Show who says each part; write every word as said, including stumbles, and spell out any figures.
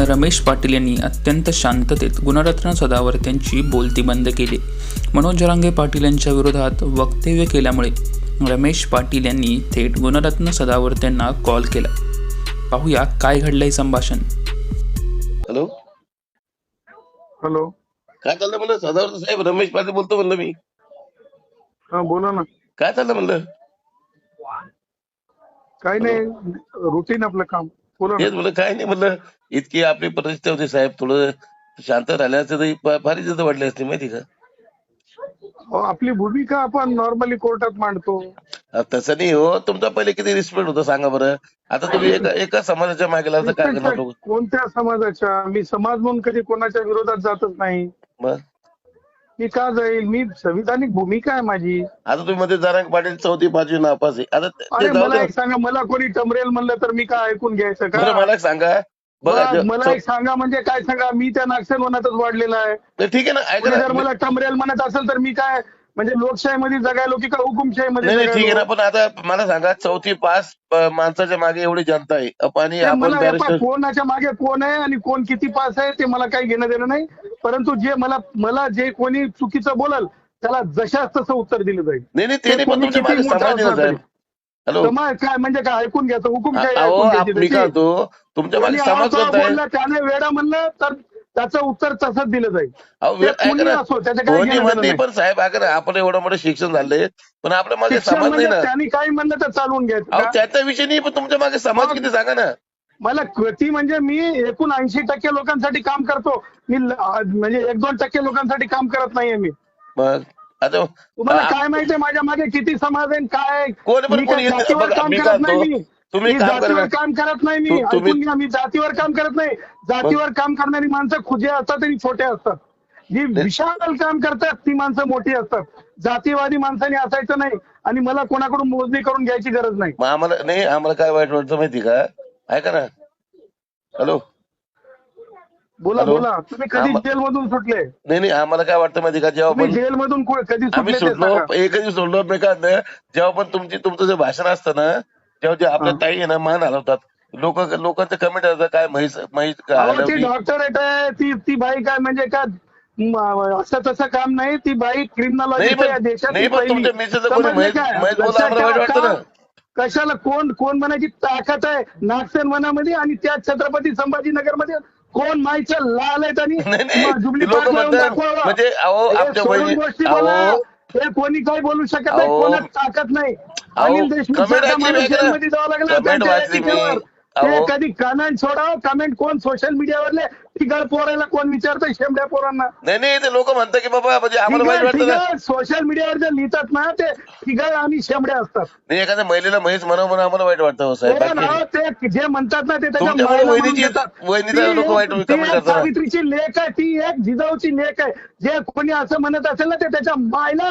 Speaker 1: रमेश पाटील यांनी अत्यंत शांततेत गुणरत्न सदावर्ते यांची बोलती बंद केली. मनोज जरांगे पाटील यांच्या विरोधात वक्तव्य केल्यामुळे रमेश पाटील यांनी थेट गुणरत्न सदावर्ते यांना कॉल केला. पाहूया काय घडलंय संभाषण.
Speaker 2: हॅलो
Speaker 3: हॅलो,
Speaker 2: काय चाललं म्हणलं? सदावर्ते साहेब रमेश पाटील बोलतो म्हणलं मी.
Speaker 3: हा बोला ना.
Speaker 2: काय चाललं म्हणलं?
Speaker 3: काही नाही, रुटीन आपलं काम. बोला ना.
Speaker 2: तेच म्हणलं काय नाही म्हणलं, इतकी आपली परिस्थिती होती साहेब, थोडं शांत राहिल्याचं तरी फार इज्जत वाढली असते माहिती का?
Speaker 3: अहो, आपली भूमिका आपण नॉर्मली कोर्टात मांडतो.
Speaker 2: अहो, तसं नाही हो, तुमचा पहिले किती रिस्पेक्ट होता सांगा बरं. आता तुम्ही एका एका समाजाच्या मागे लागता, काय करणार लोक?
Speaker 3: कोणत्या समाजाच्या? मी समाज म्हणून कधी कोणाच्या विरोधात जातच नाही.
Speaker 2: मग
Speaker 3: मी का जाईल? मी संविधानिक भूमिका आहे माझी.
Speaker 2: आता तुम्ही मध्ये जरांगे पाटील चौथी पाचवी नापास आहे. आता ते
Speaker 3: अरे
Speaker 2: जाऊ
Speaker 3: मला
Speaker 2: द्या.
Speaker 3: एक सांगा, मला कोणी टमरेल म्हणलं तर मी काय ऐकून घ्यायचं
Speaker 2: बरं,
Speaker 3: का?
Speaker 2: मला एक सांगा बघा.
Speaker 3: मला-
Speaker 2: ज-
Speaker 3: मला
Speaker 2: चौ-
Speaker 3: एक सांगा म्हणजे काय सांगा? मी त्या नागसेवनातच वाढलेला आहे.
Speaker 2: तर ठीक आहे ना, ऐका
Speaker 3: कोणी जर
Speaker 2: ना.
Speaker 3: मला टमरेल म्हणत असेल तर मी काय म्हणजे लोकशाहीमध्ये जगायलो की का हुकुमशाहीमध्ये
Speaker 2: नाही नाही, ठीक आहे ना,
Speaker 3: जगायलो?
Speaker 2: पण आता मला सांगा, चौथी पास अ, माणसाच्या मागे एवढी जनता आहे अप- आणि
Speaker 3: ते
Speaker 2: आपण
Speaker 3: मला हे
Speaker 2: बॅरिस्टर.
Speaker 3: पहा, कोणाच्या मागे कोण आहे आणि कोण किती पास आहे ते मला काही घेणं देणं नाही. परंतु जे मला मला जे कोणी चुकीचं बोलल त्याला जशाच तसं उत्तर दिलं जाईल.
Speaker 2: नाही नाही, ते
Speaker 3: ते
Speaker 2: नाही, पण
Speaker 3: कोणी
Speaker 2: तुमच्या
Speaker 3: किती
Speaker 2: मागे
Speaker 3: मोठा
Speaker 2: समाज आहे ना
Speaker 3: असला
Speaker 2: साहेब. हॅलो,
Speaker 3: समाज काय म्हणजे काय ऐकून घ्यायचं? हुकुमशाही
Speaker 2: अहो
Speaker 3: ऐकून
Speaker 2: आप-
Speaker 3: घ्यायची
Speaker 2: मी
Speaker 3: त्याची.
Speaker 2: काय म्हणतो, तुमच्या
Speaker 3: कोणी
Speaker 2: मागे समाज
Speaker 3: आवाज
Speaker 2: कोणता आहे?
Speaker 3: बोलला त्याने वेडा म्हणलं तर त्याचं उत्तर तसंच दिलं जाईल.
Speaker 2: अहो,
Speaker 3: ते
Speaker 2: वे- ऐका
Speaker 3: कोणी
Speaker 2: ना,
Speaker 3: असो, त्याचं काही
Speaker 2: कोणी
Speaker 3: घेणं
Speaker 2: म्हणते,
Speaker 3: देणं नाही.
Speaker 2: पण साहेब ऐका ना, आपण एवढं मोठं शिक्षण झालंय, पण आपल्या मागे
Speaker 3: शिक्षण
Speaker 2: समाज नाही
Speaker 3: म्हणजे
Speaker 2: ना.
Speaker 3: त्यांनी काही म्हणलं तर चालवून घ्यायचं
Speaker 2: अहो
Speaker 3: का?
Speaker 2: त्याचा विषय नाही, पण तुमच्या मागे समाज
Speaker 3: मग-
Speaker 2: किती सांगा ना.
Speaker 3: मला कृती म्हणजे मी एकूण ऐंशी टक्के लोकांसाठी काम करतो. मी ल- म्हणजे एक दोन टक्के लोकांसाठी काम करत नाहीये मी.
Speaker 2: मग आता
Speaker 3: तुम्हाला
Speaker 2: आ-
Speaker 3: काय माहितीये माझ्या मागे किती समाज आहे काय?
Speaker 2: कोण पण
Speaker 3: मी
Speaker 2: कोणी
Speaker 3: काय
Speaker 2: येत-
Speaker 3: जातीवर
Speaker 2: बघा,
Speaker 3: काम
Speaker 2: मी
Speaker 3: करत
Speaker 2: काय
Speaker 3: नाही.
Speaker 2: म्हणतो,
Speaker 3: मी
Speaker 2: तुम्ही
Speaker 3: मी
Speaker 2: काम
Speaker 3: जातीवर
Speaker 2: करा.
Speaker 3: काम करत नाही. मी
Speaker 2: तु- तुम्ही-
Speaker 3: ऐकून घ्या, मी जातीवर काम करत नाही. जातीवर काम करणारी माणसं खुजे असतात आणि छोटे असतात. जी विशाल काम करतात ती माणसं मोठी असतात. जातीवादी माणसाने असायचं नाही आणि मला कोणाकडून मोजणी करून घ्यायची गरज नाही.
Speaker 2: मग आम्हाला नाही, आम्हाला काय वाईट वाटतं माहिती का? ऐका ना. हॅलो,
Speaker 3: बोला
Speaker 2: हॅलो?
Speaker 3: बोला. तुम्ही कधी
Speaker 2: आम्हा-
Speaker 3: जेल मधून सुटले?
Speaker 2: नाही नाही, आम्हाला काय वाटतं माहिती का, जेव्हा
Speaker 3: तुम्ही
Speaker 2: पण
Speaker 3: जेल मधून कधी
Speaker 2: आम्ही
Speaker 3: सुटले ते
Speaker 2: सुटलो,
Speaker 3: सांगा.
Speaker 2: एकच सोडलो नाही का, जेव्हा पण तुमची तुमचं जे भाषण असतं ना, तेव्हा जे आपल्या
Speaker 3: हा.
Speaker 2: ताई आहे ना, मान हलवतात लोक. लोकांचं कमेंट असतं काय म्हैस म्हैस का
Speaker 3: अहो, ती
Speaker 2: हलवली.
Speaker 3: डॉक्टरेट आहे. ती ती बाई काय म्हणजे काय म- असं तसं काम नाही. ती बाई
Speaker 2: नाही
Speaker 3: क्रिमिनॉलॉजी
Speaker 2: पण
Speaker 3: या देशात
Speaker 2: नाही पण तुमच्या मिसेसचं कोणी
Speaker 3: समजलं
Speaker 2: म्हैस
Speaker 3: काय?
Speaker 2: म्हैस बोलला,
Speaker 3: लक्षात
Speaker 2: आम्हाला वाईट
Speaker 3: ठेवा
Speaker 2: वाटतं ना.
Speaker 3: का? कशाला कोण कोण म्हणायची ताकद आहे नागसेन वनामध्ये आणि त्या छत्रपती संभाजीनगर मध्ये कोण माईचं लाल आहेत आणि
Speaker 2: नाही नाही,
Speaker 3: जुबली
Speaker 2: लोक
Speaker 3: पार्क लावून
Speaker 2: म्हणतात
Speaker 3: दाखवावं.
Speaker 2: म्हणजे अहो
Speaker 3: हे
Speaker 2: आमच्या
Speaker 3: सोडून
Speaker 2: बहिणी,
Speaker 3: गोष्टी बोला.
Speaker 2: अहो
Speaker 3: हे कोणी काही बोलू शकत नाही.
Speaker 2: अहो,
Speaker 3: कोणाच ताकद नाही.
Speaker 2: अहो,
Speaker 3: अनिल देशमुख
Speaker 2: comment
Speaker 3: सारखा
Speaker 2: वाचली
Speaker 3: माणूस
Speaker 2: मी ऐका ना.
Speaker 3: जेलमध्ये जावं लागला
Speaker 2: comment
Speaker 3: त्यांच्या
Speaker 2: वाचली मी.
Speaker 3: याचिकेवर.
Speaker 2: अहो.
Speaker 3: ते कधी कमेंट सोडावं. कमेंट कोण सोशल मीडियावरले ठिकाण पोरायला कोण विचारतं शेमड्या पोरांना?
Speaker 2: नाही नाही, ते लोक म्हणतात की बाबा म्हणजे आम्हाला वाईट वाटतं ना.
Speaker 3: सोशल मीडियावर जे लिहितात ना ते ठिकाण आणि शेमड्या असतात.
Speaker 2: नाही, एखाद्या महिलेला म्हैस म्हणावं म्हणून आम्हाला वाईट वाटतं हो साहेब.
Speaker 3: हो
Speaker 2: बाकी
Speaker 3: ना,
Speaker 2: नाही.
Speaker 3: ते जे म्हणतात ना ते त्याच्या
Speaker 2: तुमच्यामुळे
Speaker 3: मायला म्हणून
Speaker 2: वहिनीची-
Speaker 3: देतात.
Speaker 2: वहिनीचा
Speaker 3: ती
Speaker 2: लोक
Speaker 3: एक-
Speaker 2: वाईट
Speaker 3: ती
Speaker 2: comment
Speaker 3: एक
Speaker 2: करतात.
Speaker 3: सावित्रीची लेख आहे. ती एक जिजाऊची लेख आहे. जे कोणी असं म्हणत असेल ना ते त्याच्या मायला